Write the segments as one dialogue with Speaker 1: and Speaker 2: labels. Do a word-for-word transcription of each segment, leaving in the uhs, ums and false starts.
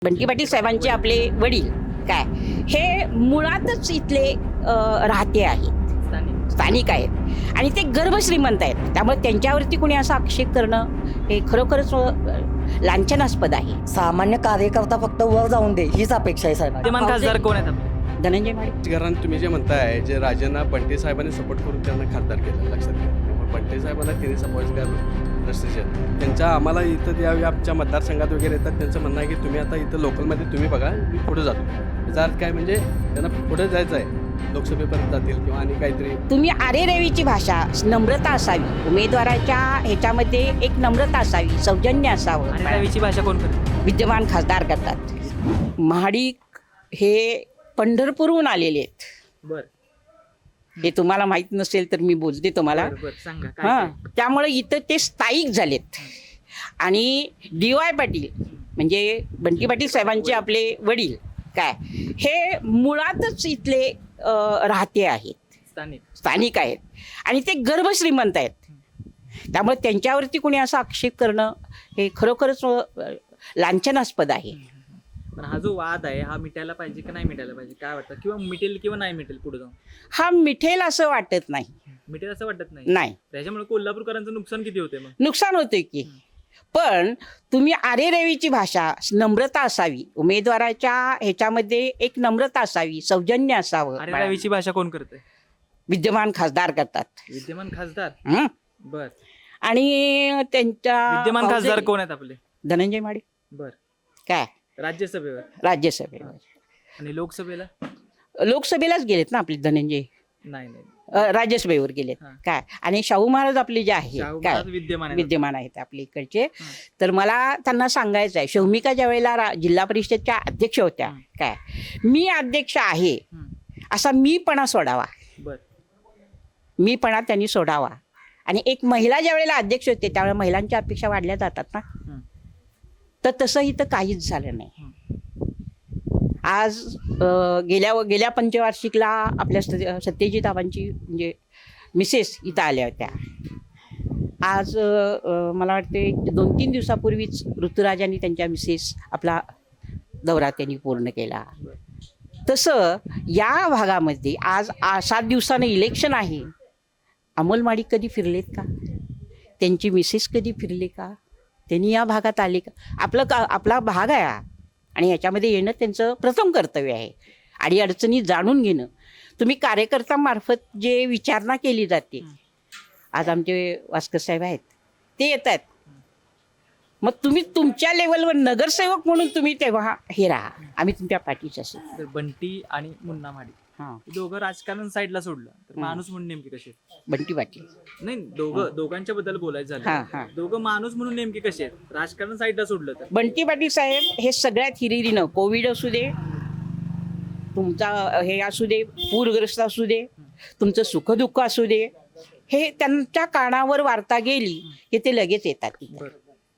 Speaker 1: बंटी पाटील साहेबांचे आपले वडील काय हे मुळातच इथले अ, राहते आहेत, स्थानिक आहेत आणि ते गर्भश्रीमंत आहेत. त्यामुळे त्यांच्यावरती कोणी असा आक्षेप करणं हे खरोखरच अ, लांछनास्पद आहे.
Speaker 2: सामान्य कार्यकर्ता फक्त वर जाऊन दे हीच अपेक्षा आहे साहेब.
Speaker 3: विद्यमान खासदार कोण आहेत आपले?
Speaker 1: धनंजय माडे.
Speaker 4: कारण तुम्ही जे म्हणताय जे राजांना बंटी साहेबांनी सपोर्ट करून त्यांना खासदार केलं लक्षात घ्या. त्यामुळे बंटी साहेबांना तिन्ही समाजगार रस्त्याचे त्यांच्या आम्हाला इथं ज्यावेळी आमच्या मतदारसंघात वगैरे येतात त्यांचं म्हणणं आहे की तुम्ही आता इथं लोकलमध्ये तुम्ही बघा मी पुढे जातो. याचा अर्थ काय म्हणजे त्यांना पुढे जायचं आहे, लोकसभेपर्यंत जातील किंवा आणि काहीतरी.
Speaker 1: तुम्ही आरेरेवीची भाषा नम्रता असावी, उमेदवाराच्या ह्याच्यामध्ये एक नम्रता असावी, सौजन्य असावं.
Speaker 3: आणि रवीची भाषा कोण करते?
Speaker 1: विद्यमान खासदार करतात. महाडिक हे पंढरपूरहून आलेले आहेत.
Speaker 3: बर
Speaker 1: हे तुम्हाला माहित नसेल तर मी बोलते तुम्हाला.
Speaker 3: बर सांगा काय
Speaker 1: हां,
Speaker 3: काय?
Speaker 1: त्यामुळे इथं ते स्थायिक झालेत. आणि डी वाय पाटील म्हणजे बंटी पाटील साहेबांचे आपले वडील काय हे मुळातच इथले अ, राहते आहेत,
Speaker 3: स्थानिक
Speaker 1: स्थानिक आहेत आणि ते गर्भश्रीमंत आहेत. त्यामुळे त्यांच्यावरती कोणी असा आक्षेप करणं हे खरोखरच अ, लांछनास्पद आहे.
Speaker 3: पण हा जो वाद आहे हा मिटायला पाहिजे की नाही मिटायला पाहिजे काय वाटतं? किंवा मिटेल किंवा नाही मिटेल पुढे जाऊन?
Speaker 1: हा मिठेल असं वाटत नाही.
Speaker 3: मिटेल असं वाटत नाही.
Speaker 1: नाही
Speaker 3: त्याच्यामुळे कोल्हापूरकरांचं नुकसान किती होते मग?
Speaker 1: नुकसान होते की. पण तुम्ही आरेरेवीची भाषा नम्रता असावी, उमेदवाराच्या ह्याच्यामध्ये एक नम्रता असावी, सौजन्य असावं.
Speaker 3: अरे रवीची भाषा कोण करते?
Speaker 1: विद्यमान खासदार करतात.
Speaker 3: विद्यमान खासदार.
Speaker 1: हं?
Speaker 3: बर
Speaker 1: आणि त्यांच्या
Speaker 3: विद्यमान खासदार कोण आहेत आपले?
Speaker 1: धनंजय माडे.
Speaker 3: बर
Speaker 1: काय
Speaker 3: राज्यसभेवर
Speaker 1: राज्यसभेवर.
Speaker 3: आणि लोकसभेला
Speaker 1: लोकसभेलाच गेलेत ना आपले धनंजय.
Speaker 3: नाही नाही
Speaker 1: अ, राज्यसभेवर गेलेत.
Speaker 3: हां.
Speaker 1: काय आणि शाहू महाराज आपले जे आहे
Speaker 3: शाहू
Speaker 1: काय
Speaker 3: महाराज विद्यमान आहेत.
Speaker 1: विद्यमान आहेत आपल्या इकडचे. तर मला त्यांना सांगायचं आहे, शौमिका ज्या वेळेला रा- जिल्हा परिषदच्या अध्यक्ष होत्या
Speaker 3: हं.
Speaker 1: काय मी अध्यक्ष आहे
Speaker 3: हं.
Speaker 1: असा मीपणा सोडावा,
Speaker 3: बर
Speaker 1: मीपणा त्यांनी सोडावा. आणि एक महिला ज्या वेळेला अध्यक्ष होते त्यावेळेला महिलांच्या अपेक्षा वाढल्या जातात ना.
Speaker 3: हं.
Speaker 1: तर तसं इथं काहीच झालं नाही. आज अ, गेल्या गेल्या पंचवार्षिकला आपल्या सत्य- सत्यजित आबांची म्हणजे मिसेस इथं आल्या होत्या. आज अ, अ, मला वाटते दोन तीन दिवसापूर्वीच ऋतुराजांनी त्यांच्या मिसेस आपला दौरा त्यांनी पूर्ण केला. तसं या भागामध्ये आज आ सात दिवसानं इलेक्शन आहे. अमोल माडिक कधी फिरलेत का? त्यांची मिसेस कधी फिरले का? त्यांनी या भागात आले का? आपलं का आपला भाग आहे हा. आणि याच्यामध्ये येणं त्यांचं प्रथम कर्तव्य आहे. अडीअडचणी जाणून घेणं. तुम्ही कार्यकर्त्यांमार्फत जे विचारणा केली जाते, आज आमचे वास्कर साहेब आहेत ते येत आहेत. मग तुम्ही तुमच्या लेवलवर नगरसेवक म्हणून तुम्ही तेव्हा हे राहा, आम्ही तुमच्या पाठीच असेल.
Speaker 3: तर बंटी आणि मुन्ना माडी
Speaker 1: हां,
Speaker 3: हे दोघं राजकारण साईडला सोडलं तर
Speaker 1: हं.
Speaker 3: माणूस म्हणून नेमके कसे?
Speaker 1: बंटी पाटील.
Speaker 3: नाही दोघं दोघांच्या बद्दल बोलायचं
Speaker 1: हां, हां.
Speaker 3: झालं, दोघं माणूस म्हणून नेमके कसे आहेत राजकारण साईडला सोडलं तर?
Speaker 1: बंटी पाटील साहेब हे सगळ्यात हिरिरीनं, कोविड असू दे, तुमचा हे असू दे, पूरग्रस्त असू दे, तुमचं सुखदुःख असू दे, हे त्यांच्या कानावर वार्ता गेली की ते लगेच येतात तिथं.
Speaker 3: बरं.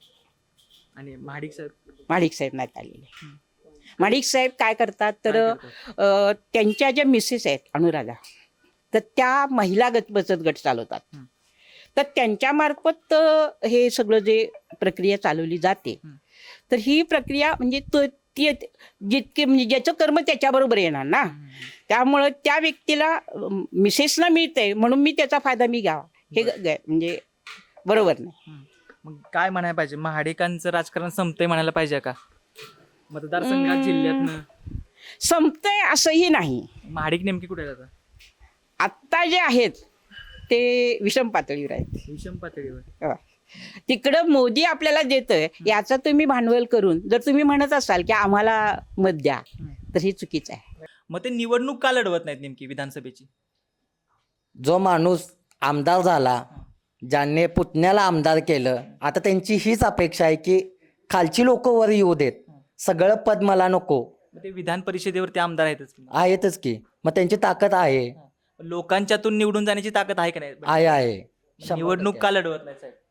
Speaker 3: आणि महाडिक साहेब
Speaker 1: माडिक साहेब नाहीत आलेले. माडिक साहेब काय करतात तर
Speaker 3: काय
Speaker 1: अ, त्यांच्या ज्या मिसेस आहेत अनुराधा, तर त्या महिला गट बचत गट चालवतात.
Speaker 3: हं.
Speaker 1: तर त्यांच्यामार्फत अ, हे सगळं जे प्रक्रिया चालवली जाते,
Speaker 3: हं.
Speaker 1: तर ही प्रक्रिया म्हणजे तो ती जितके म्हणजे ज्याचं कर्म त्याच्याबरोबर येणार ना. त्यामुळं त्या व्यक्तीला अ, मिसेसला मिळतंय म्हणून मी त्याचा फायदा मी घ्यावा हे ग- ग- म्हणजे बरोबर नाही.
Speaker 3: हं. मग काय म्हणायला पाहिजे? महाडिकांचं राजकारण संपतंय म्हणायला पाहिजे का मतदारसंघात,
Speaker 1: हं.
Speaker 3: जिल्ह्यातनं?
Speaker 1: संपतंय असंही नाही.
Speaker 3: महाडिक नेमकी कुठे आहेत आता?
Speaker 1: आत्ता जे आहेत ते विषम पातळीवर आहेत.
Speaker 3: विषम पातळीवर.
Speaker 1: हो. तिकडं मोदी आपल्याला देतोय याचं तुम्ही भांडवल करून जर तुम्ही म्हणत असाल की आम्हाला मत द्या, तर हे चुकीचं आहे.
Speaker 3: मग ते निवडणूक का लढवत नाहीत नेमकी विधानसभेची?
Speaker 2: जो माणूस आमदार झाला, ज्याने पुतण्याला आमदार केलं, आता त्यांची हीच अपेक्षा आहे की खालची लोक वर येऊ देत, सगळं पद मला नको.
Speaker 3: मग ते विधान परिषदेवर ते आमदार आहेतच की.
Speaker 2: आहेतच की, मग त्यांची ताकद आहे
Speaker 3: लोकांच्यातून निवडून जाण्याची ताकद आहे का नाही?
Speaker 2: आहे आहे शंभर
Speaker 3: निवडणूक
Speaker 2: टक्के.
Speaker 3: का लढवत नाही साहेब?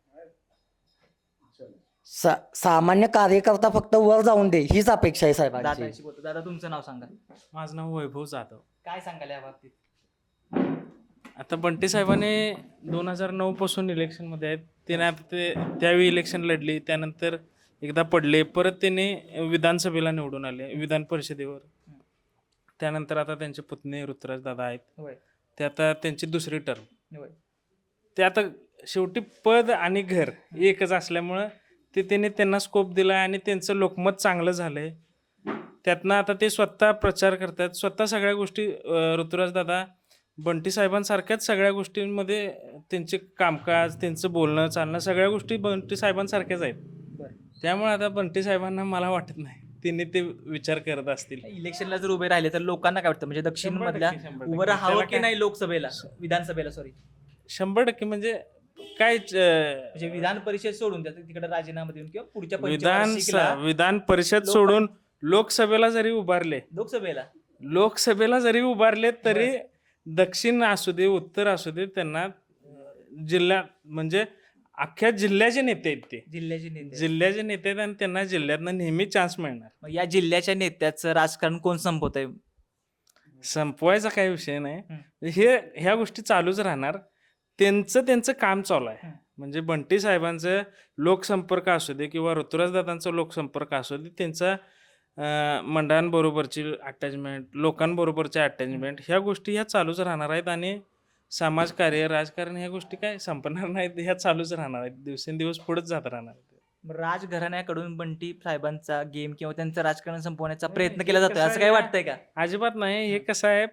Speaker 2: सा सामान्य कार्यकर्ता फक्त वर जाऊन दे हीच अपेक्षा आहे साहेबांची.
Speaker 3: दादाशी बोलतो. दादा तुमचं नाव सांगा.
Speaker 5: माझं नाव वैभव जाधव.
Speaker 3: काय सांगाल या बाबतीत?
Speaker 5: आता बंटी साहेबांनी दोन हजार नऊ पासून इलेक्शनमध्ये आहेत. ते ना ते त्यावेळी इलेक्शन लढली, त्यानंतर एकदा पडले, परत त्यांनी विधानसभेला निवडून आले, विधान परिषदेवर. त्यानंतर आता त्यांचे पुतणे ऋतुराज दादा आहेत,
Speaker 3: होय
Speaker 5: ते आता त्यांची दुसरी टर्म.
Speaker 3: होय
Speaker 5: ते आता शेवटी पद आणि घर एकच असल्यामुळं ते त्यांनी त्यांना स्कोप दिला आणि त्यांचं लोकमत चांगलं झालंय. त्यातनं आता ते स्वतः प्रचार करतात, स्वतः सगळ्या गोष्टी. ऋतुराज दादा बंटी साहेबांसारख्याच सगळ्या गोष्टींमध्ये त्यांचे कामकाज, त्यांचं बोलणं चालणं सगळ्या गोष्टी बंटी साहेबांसारख्याच आहेत.
Speaker 3: बरं.
Speaker 5: त्यामुळे आता बंटी साहेबांना मला वाटत नाही त्यांनी ते विचार करत असतील.
Speaker 3: इलेक्शनला जर उभे राहिले तर लोकांना काय वाटतं, म्हणजे दक्षिण
Speaker 5: शंभर
Speaker 3: मधल्या
Speaker 5: टक्के, शंभर
Speaker 3: उभं
Speaker 5: टक्के.
Speaker 3: राहावं
Speaker 5: त्याला
Speaker 3: की
Speaker 5: काय-
Speaker 3: नाही लोकसभेला, विधानसभेला सॉरी,
Speaker 5: शंभर टक्के म्हणजे काय अं,
Speaker 3: म्हणजे विधान परिषद सोडून द्या तिकडे राजीनामा देऊन किंवा पुढच्या
Speaker 5: विधान
Speaker 3: पंचवार्षिकला
Speaker 5: विधान परिषद
Speaker 3: लोक-
Speaker 5: सोडून लोकसभेला जरी उभारले
Speaker 3: लोकसभेला
Speaker 5: लोकसभेला जरी उभारले तरी दक्षिण असू दे उत्तर असू दे त्यांना अं, जिल्हा म्हणजे अख्ख्या जिल्ह्याचे नेते आहेत ते.
Speaker 3: जिल्ह्याचे नेते.
Speaker 5: जिल्ह्याचे नेते आहेत आणि त्यांना जिल्ह्यातनं नेहमी चान्स मिळणार.
Speaker 3: मग या जिल्ह्याच्या नेत्याचं राजकारण कोण संपवत आहे?
Speaker 5: संपवायचा काही विषय नाही, हे ह्या गोष्टी चालूच राहणार. त्यांचं त्यांचं काम चालू आहे.
Speaker 3: हम्म.
Speaker 5: म्हणजे बंटी साहेबांचं लोकसंपर्क असू दे किंवा ऋतुराज दादांचा लोकसंपर्क असू दे, त्यांचा अं, मंडळांबरोबरची अटॅचमेंट, लोकांबरोबरची अटॅचमेंट, ह्या गोष्टी ह्या चालूच राहणार आहेत. आणि समाजकार्य, राजकारण ह्या गोष्टी काय संपणार नाहीत, ह्या चालूच राहणार आहेत, दिवसेंदिवस पुढेच जात राहणार आहेत.
Speaker 3: मग राजघराण्याकडून बंटी साहेबांचा गेम किंवा त्यांचं राजकारण संपवण्याचा प्रयत्न केला जातोय असं काय वाटतंय का?
Speaker 5: अजिबात नाही. हे कसं आहे,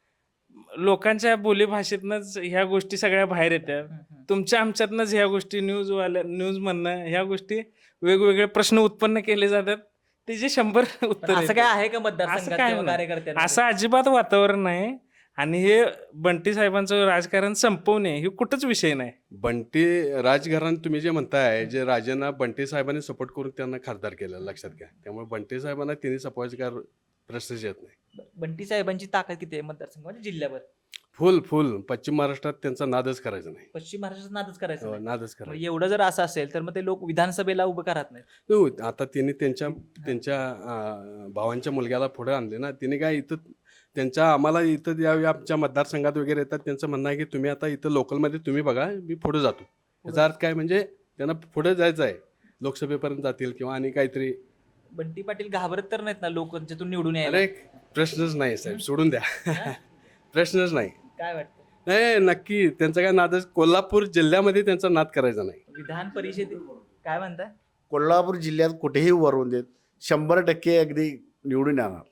Speaker 5: लोकांच्या बोलीभाषेतनंच ह्या गोष्टी सगळ्या बाहेर येतात. तुमच्या आमच्यातनंच ह्या गोष्टी न्यूज वाल्या न्यूज म्हणणं ह्या गोष्टी वेगवेगळे प्रश्न उत्पन्न केले जातात, त्याचे शंभर उत्तर
Speaker 3: असं काय आहे का मतदारसंघात
Speaker 5: असं काय
Speaker 3: किंवा
Speaker 5: नाही.
Speaker 3: कार्यकर्त्यांमध्ये?
Speaker 5: असं अजिबात वातावरण नाही. आणि हे बंटी साहेबांचं राजकारण संपवणे हे कुठंच विषय नाही.
Speaker 4: बंटी राजघराणं तुम्ही जे म्हणताय, जे राजांना बंटी साहेबांनी सपोर्ट करून त्यांना खासदार केलं, लक्षात घ्या. त्यामुळे बंटी साहेबांना तिन्ही सपोर्ट काय प्रश्नच येत नाही.
Speaker 3: बंटी साहेबांची ताकद किती आहे मतदारसंघ म्हणजे जिल्ह्यावर?
Speaker 4: फुल फुल पश्चिम महाराष्ट्रात त्यांचा नादच करायचा नाही.
Speaker 3: पश्चिम महाराष्ट्रात नादच करायचं
Speaker 4: हो,
Speaker 3: नाही.
Speaker 4: नादच
Speaker 3: मग
Speaker 4: करायचा.
Speaker 3: एवढं जर असं असेल तर मग ते लोक विधानसभेला उभं का राहत नाहीत?
Speaker 4: हो, आता तिने त्यांच्या त्यांच्या अं, भावांच्या मुलग्याला पुढे आणले ना. तिने काय इथं त्यांच्या आम्हाला इथं यावेळी आमच्या मतदारसंघात वगैरे येतात, त्यांचं म्हणणं आहे की तुम्ही आता इथं लोकलमध्ये तुम्ही बघा, मी पुढे जातो. याचा अर्थ काय, म्हणजे त्यांना पुढे जायचं आहे, लोकसभेपर्यंत जातील किंवा आणि काहीतरी.
Speaker 3: बंटी पाटील घाबरत तर नाहीत ना लोक त्यांच्यातून निवडून यायला?
Speaker 4: अरे प्रश्नच नाही साहेब, सोडून द्या. प्रश्नच नाही.
Speaker 3: काय वाटतं?
Speaker 4: नाही नक्की त्यांचा काय नादच, कोल्हापूर जिल्ह्यामध्ये त्यांचा नाद करायचा नाही.
Speaker 3: विधान परिषद काय म्हणताय?
Speaker 6: कोल्हापूर जिल्ह्यात कुठेही उभारून देत शंभर टक्के अगदी निवडून येणार.